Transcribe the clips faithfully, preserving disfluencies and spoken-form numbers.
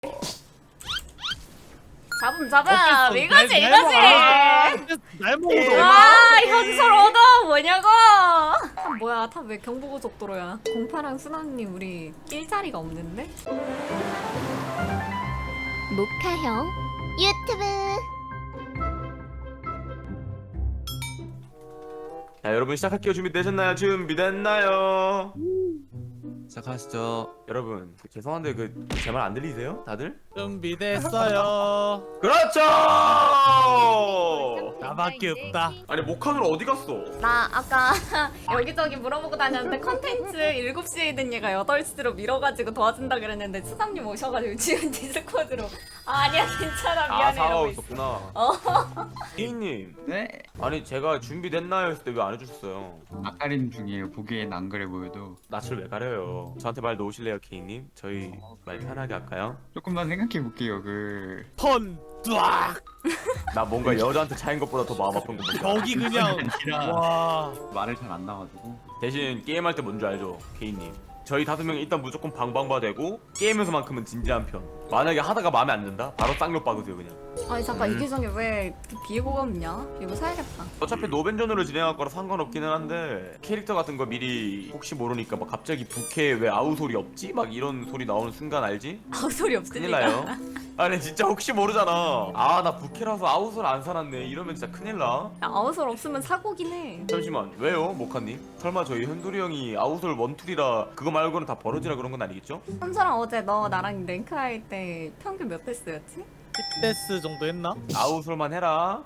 잡음 잡음 어땠어? 이거지 날- 이거지. 날 먹어도 와 현설 얻어 뭐냐고. 탑 뭐야 탑 왜 경부고속도로야. 공파랑 순환님 우리 낄 자리가 없는데? 모카형 유튜브. 자, 여러분 시작할게요. 준비되셨나요? 준비됐나요? 시작하시죠. 여러분 죄송한데 그 제 말 안 들리세요? 다들? 준비됐어요. 그렇죠! 나밖에 없다. 아니 모카들 어디 갔어? 나 아까 여기저기 물어보고 다녔는데 컨텐츠 일곱 시에 된 얘가 여덟 시로 밀어가지고 도와준다 그랬는데 수상님 오셔가지고 지금 디스코드로 아, 아니야 괜찮아 아 미안해 사와 이러고 있어. 있었구나. 어. 혜인님 네? 아니 제가 준비됐나요 했을 때 왜 안 해주셨어요? 아까림 중이에요. 보기엔 안 그래 보여도 낯을 왜 가려요? 저한테 말 놓으실래요 케이님? 저희 말 편하게 할까요? 조금만 생각해 볼게요. 그 턴 뚜악. 나 뭔가 여자한테 차인 것보다 더 마음 아픈 거 뭔지 알아? 여기 그냥 아니라 와. 말을 잘 안 나가지고 대신 게임할 때 뭔지 알죠? 케이님 저희 다섯 명이 일단 무조건 방방바 되고 게임에서만큼은 진지한 편. 만약에 하다가 마음에 안 든다? 바로 쌍욕 박으세요 그냥. 아니 잠깐 음. 이 계정에 왜 비에고가 없냐? 비에고 사야겠다. 어차피 노벤전으로 진행할 거라 상관없기는 한데 캐릭터 같은 거 미리 혹시 모르니까 막 갑자기 부캐 왜 아우 소리 없지? 막 이런 소리 나오는 순간 알지? 아우 소리 큰일 없으니까. 나요. 아니 진짜 혹시 모르잖아. 아 나 부캐라서 아우 소리 안 살았네 이러면 진짜 큰일 나. 야, 아우솔 없으면 사고긴 해. 잠시만 왜요 모카님? 설마 저희 현돌이 형이 아우솔 원툴이라 그거 말고는 다 버러지라 그런 건 아니겠죠? 현서랑 어제 너 나랑 랭크 할 때 평균 몇 패스였지? 십 데스 정도 했나? 아우솔만 해라.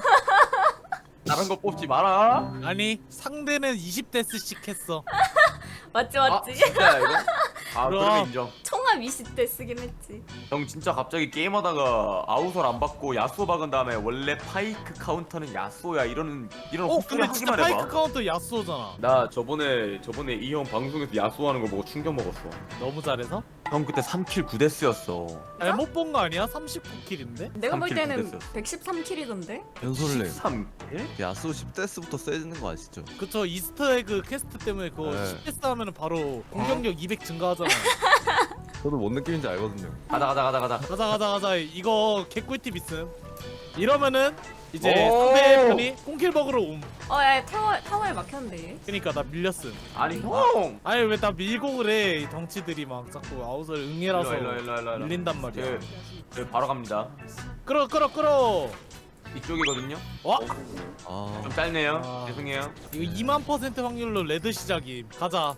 다른 거 뽑지 마라. 아니 상대는 이십 데스씩 했어. 맞지 아 맞지? 진짜야 이거? 아 그럼. 그러면 인정. 총합 이십 대 쓰긴 했지. 형 진짜 갑자기 게임하다가 아우솔 안 받고 야수오 박은 다음에 원래 파이크 카운터는 야수오야 이러는 이런 어 헛소리 근데 진짜 하기만 해봐. 파이크 카운터 야스오잖아. 나 저번에 저번에 이 형 방송에서 야수하는 거 보고 충격 먹었어. 너무 잘해서? 형 그때 삼 킬 구 데스였어. 잘못 본 거 아니야? 삼십구 킬인데? 내가 볼 삼 킬 때는 됐어. 백십삼 킬이던데? 연솔님 삼 킬? 야수 십 데스부터 세지는 거 아시죠? 그쵸 이스터에그 퀘스트 때문에 그거 네. 십 데스 하면은 바로 공격력 이백 증가하잖아. 저도 뭔 느낌인지 알거든요. 가자 가자 가자 가자. 가자 가자 가자. 이거 개꿀팁 있음. 이러면은 이제 오! 상대편이 꽁킬버그로 옴. 어야 타워 타워에 막혔는데. 그니까 나 밀렸음. 아니 형. 아니 왜 나 밀고 그래? 이 덩치들이 막 자꾸 아웃을 응애라서 일로 와, 일로 와, 일로 와, 일로 와. 밀린단 말이야. 저, 저 바로 갑니다. 끌어 끌어 끌어. 이쪽이거든요. 와 아, 좀 짧네요. 아. 죄송해요. 이거 이만 퍼센트 확률로 레드 시작임. 가자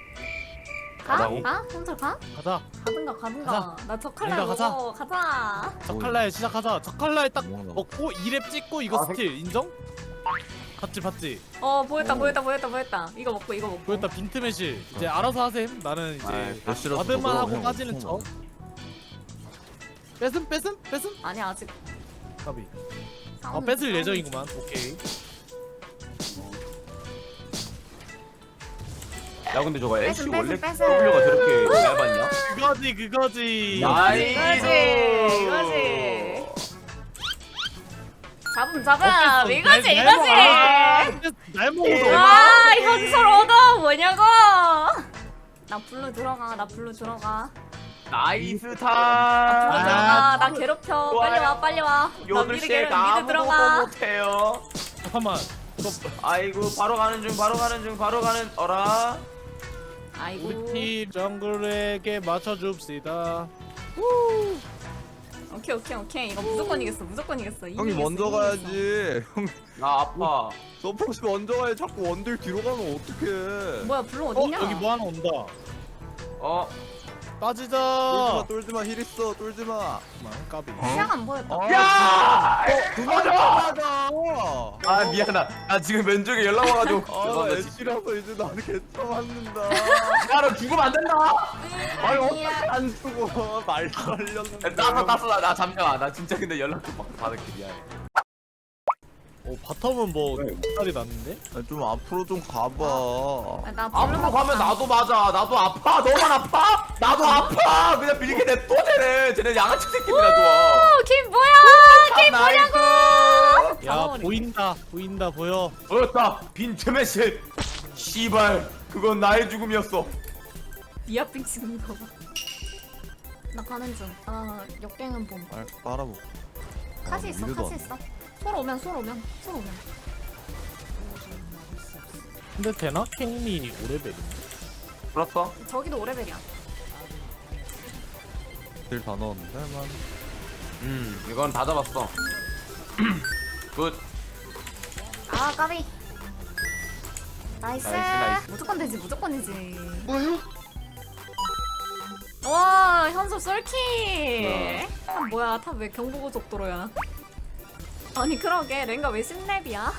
가? 가자고? 가? 현서 가? 가자. 가든가 가든가. 나 저 칼날 가자, 가자. 먹어. 가자. 저 칼날 시작하자. 저 칼날 딱 뭐하나. 먹고 이 렙 찍고 이거 아, 스킬 인정? 봤지 봤지. 어 보였다 보였다 보였다 보였다. 이거 먹고 이거 먹고. 보였다 빈틈의실. 이제 알아서 하셈. 나는 이제 아이, 몇시라도 와드만 먹어, 하고 형. 빠지는 척. 뺏음 뺏음 뺏음. 아니 아직. 까비. 아 싸우는 뺏을 싸우는 예정이구만. 오케이. 야 근데 저거 애쉬 뺏음, 원래 뺏음, W가 저렇게 얇았냐? 그거지 그거지. 이거지 이거지 이거지. 잡음 잡음 어땠어? 이거지 날- 날 이거지. 먹어. 날 먹어도 와 현설 얻어 뭐냐고. 나 불러 들어가 나 불러 들어가. 나이스 불러 타. 들어가 나 괴롭혀. 빨리 와 빨리 와. 나 요들 미드 씨가 괴롭 미드 아무것도 들어가. 못해요. 잠깐만. 아이고 바로 가는 중 바로 가는 중 바로 가는 어라. 아이고. 우리 팀 정글에게 맞춰줍시다. 오케이 오케이 오케이 이거 무조건 이겼어 무조건 이겼어. 형이 이기겠어, 먼저 이기겠어. 가야지. 형 나 아파. 서포시 먼저 가야 자꾸 원딜 뒤로 가면 어떡해. 뭐야 불러 어 어딨냐? 여기 뭐 하나 온다. 어. 빠지자. 쫄지마 쫄지마 힐 있어 쫄지마. 잠깐만, 까비. 시야가 안 보였다. 아, 야! 그만 가자. 아 미안하다. 나 지금 왼쪽에 연락 와가지고. 아 죄송합니다, 진짜. 애쉬라서 이제 나는 개처 맞는다. 야너 죽으면 안 된다. 아니 어떻게 안 쓰고 말 걸렸는데. 따서 따서 나, 나 잠깐만. 나 진짜 근데 연락 좀 받- 받을게 미안해. 어 바텀은 뭐 네. 살이 났는데? 아, 좀 앞으로 좀 가봐. 아, 나 앞으로 불러 가면 나도 맞아. 나도 아파. 너만 아파? 나도 아파. 그냥 밀게 냅둬 쟤네. 쟤네 양아치 새끼들아 좋아. 김 뭐야? 김 나이스. 뭐냐고? 야 잡아버리네. 보인다 보인다 보여. 보였다. 빈틈의 실. 씨발. 그건 나의 죽음이었어. 미아핑 찍는 거 봐. 나 가는 중. 아 역갱은 봄. 알 빨아보. 카시 있어 미드도 카시 안 있어. 솔 오면 솔 오면 솔 오면. 근데 되나? 케인이 오레벨이. 풀었어? 저기도 오레벨이야. 딜다 넣었는데 만. 음 이건 다 잡았어. 굿. 아 까비. 나이스. 나이스, 나이스. 무조건 되지 무조건이지. 뭐요? 와 현섭 쏠키. 아 뭐야 탑 왜 경보고속도로야? 아니 그러게 랭가 왜 십 렙이야?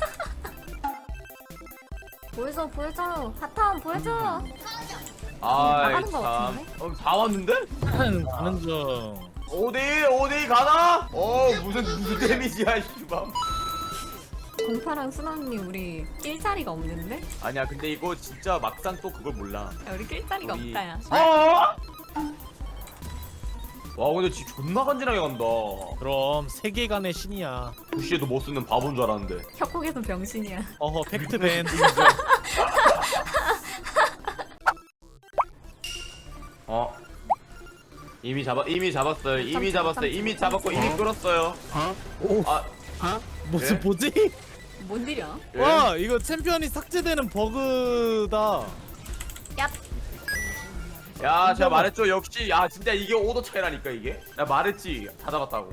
보여줘 보여줘 바텀 보여줘. 아이 나가는 거 참. 같은데? 어, 다 왔는데? 가는 중. 오데이 오데이 가나? 어 무슨 무슨 데미지야 씨발. 공파랑 순왕님 우리 낄 자리가 없는데? 아니야 근데 이거 진짜 막상 또 그걸 몰라. 야, 우리 낄 자리가 우리- 없다 야. 어? 와 근데 지 존나 간지나게 간다. 그럼 세계관의 신이야. 부시에도 못 쓰는 바본 줄 알았는데. 협곡에서 병신이야. 어허 팩트밴. 어? 이미 잡아 이미 잡았어요. 이미 잡았어요. 이미 잡았고 이미 끌었어요. 오. 아 무슨 예? 뭐지? 뭔 일이야? 예? 와 이거 챔피언이 삭제되는 버그다. 야 야 제가 말했죠. 역시 야 진짜 이게 오도 차이라니까 이게. 나 말했지 다 잡았다고.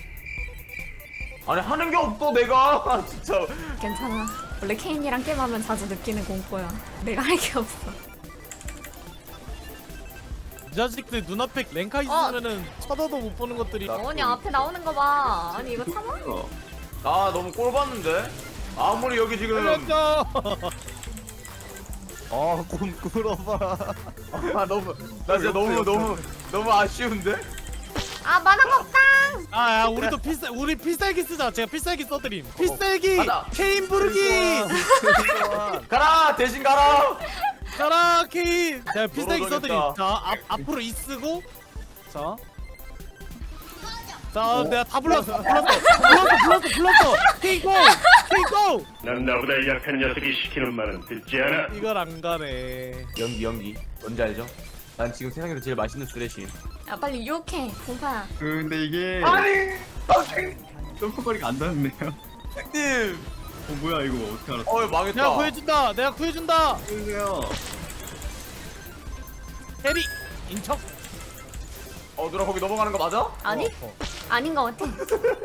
아니 하는 게 없어 내가 진짜. 괜찮아. 원래 케인이랑 게임하면 자주 느끼는 공포야. 내가 할 게 없어. 이 자식들 눈앞에 랭카 있으면은 쳐다도 못 보는 것들이. 어머니 앞에 나오는 거 봐. 아니 이거 참아? 나 너무 꼴 봤는데. 아무리 여기 지금 살려줘. 아곰 끌어봐. 아 너무 나 진짜 너무 너무 너무 아쉬운데. 아 만화 먹당. 아, 야, 우리도 필살, 우리 필살기 쓰자. 제가 필살기 써드림. 필살기, 가자. 케인 부르기. 가라 대신 가라. 가라, 케인. 제가 필살기 놀아줘야겠다. 써드림. 자, 앞 앞으로 이 쓰고. 자. 자, 내가 다 불렀어. 불렀어. 불렀어, 불렀어, 불렀어. 케인 고, 케인 고. 난 나보다 약한 녀석이 시키는 말은 듣지 않아. 이걸 안 가네. 연기 연기 뭔지 알죠? 난 지금 세상에서 제일 맛있는 쓰레쉬. 야 빨리 유혹해 공파야. 그 근데 이게 아니 선생님. 점프거리가 안 닿는데요. 선생님. 어 뭐야 이거 어떻게 알았어? 어 망했다. 내가 구해준다. 내가 구해준다. 그러세요. 해리 인척. 어 누나 거기 넘어가는 거 맞아? 아니? 어, 어. 아닌 거 같아.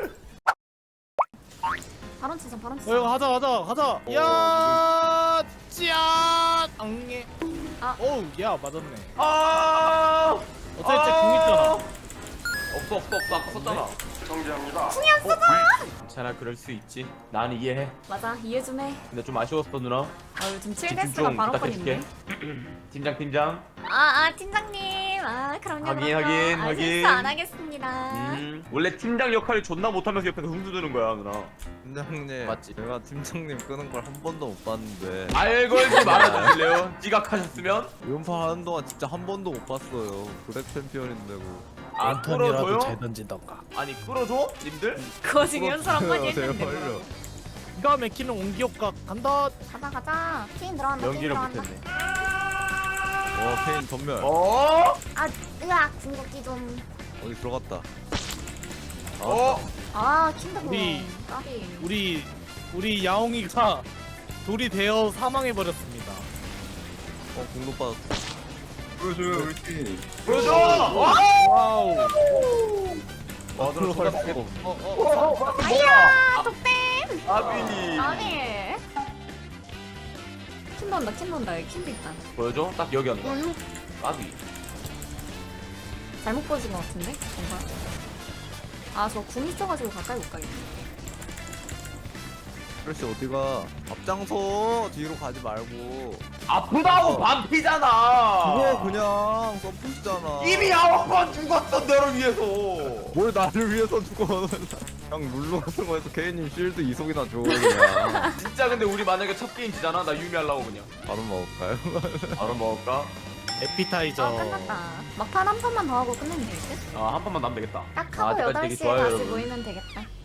발언 치자 발언 어, 치자. 이거 하자, 하자, 하자. 야, 짜, 앙예. 아. 오우, 야, 맞았네. 아. 어차피 쟤 궁있잖아. 없어 없어 없어 아까 썼잖아. 정지합니다. 괜찮아 그럴 수 있지. 난 이해해. 맞아 이해 좀 해. 근데 좀 아쉬웠어 누나. 아 요즘 칠 집중 데스가 좀 발언권인데. 부탁해줄게. 팀장 팀장. 아아 팀장님. 아 그럼요 하긴, 그럼요. 하긴, 아, 하긴. 실수 안 하겠습니다. 음 원래 팀장 역할을 존나 못하면서 옆에서 흥두드는 거야 누나. 팀장님. 맞지? 제가 팀장님 끄는 걸 한 번도 못 봤는데. 알 걸지 말아주실래요? 지각하셨으면? 연파 하는 동안 진짜 한 번도 못 봤어요. 블랙 챔피언인데고. 아 끌어줘요? 던진던가. 아니 끌어줘? 님들? 그거 지금 연설 한 번 했는데. 제발요. 뭐. 기가 막히는 온기 효과 간다. 가자 가자. 케인 들어간다. 케인 연기를 들어간다. 못했네. 와 페인 전멸. 어? 아 으악 궁극기 좀. 어디 들어갔다. 어? 아 킨드고. 우리- 까비. 우리 우리 야옹이가 돌이 되어 사망해 버렸습니다. 어 공도 빠졌어. 보여줘요 우리 팀. 보여줘! 와! 와우. 와 누나 존나 들어갈 수가 어, 없어. 어, 어, 어, 아야 독댐. 아비. 아니. 킨 돈다 킨 돈다 여기 킨도 있다. 보여줘? 딱 여기 한다. 아비. 잘못 보여준 것 같은데? 뭔가? 아, 저 궁 있어가지고 가까이 못 가겠네. 그렇지 어디가 앞장서 뒤로 가지 말고. 아프다고 어. 반피잖아. 그거 그냥 서포시잖아. 이미 아홉 번 죽었어 너를 위해서. 뭘 나를 위해서 죽어. 그냥 룰루 같은 거에서 케이님 실드 이속이나 줘 그냥. 진짜 근데 우리 만약에 첫 게임 지잖아. 나 유미 하려고 그냥. 바로 먹을까요? 바로 먹을까? 에피타이저. 아, 끝났다. 막판 한 판만 더 하고 끝내면 되겠지? 아 한 판만 남면 되겠다. 딱 아, 하고 아직까지 여덟 되게 시에 좋아요, 다시 여러분. 모이면 되겠다.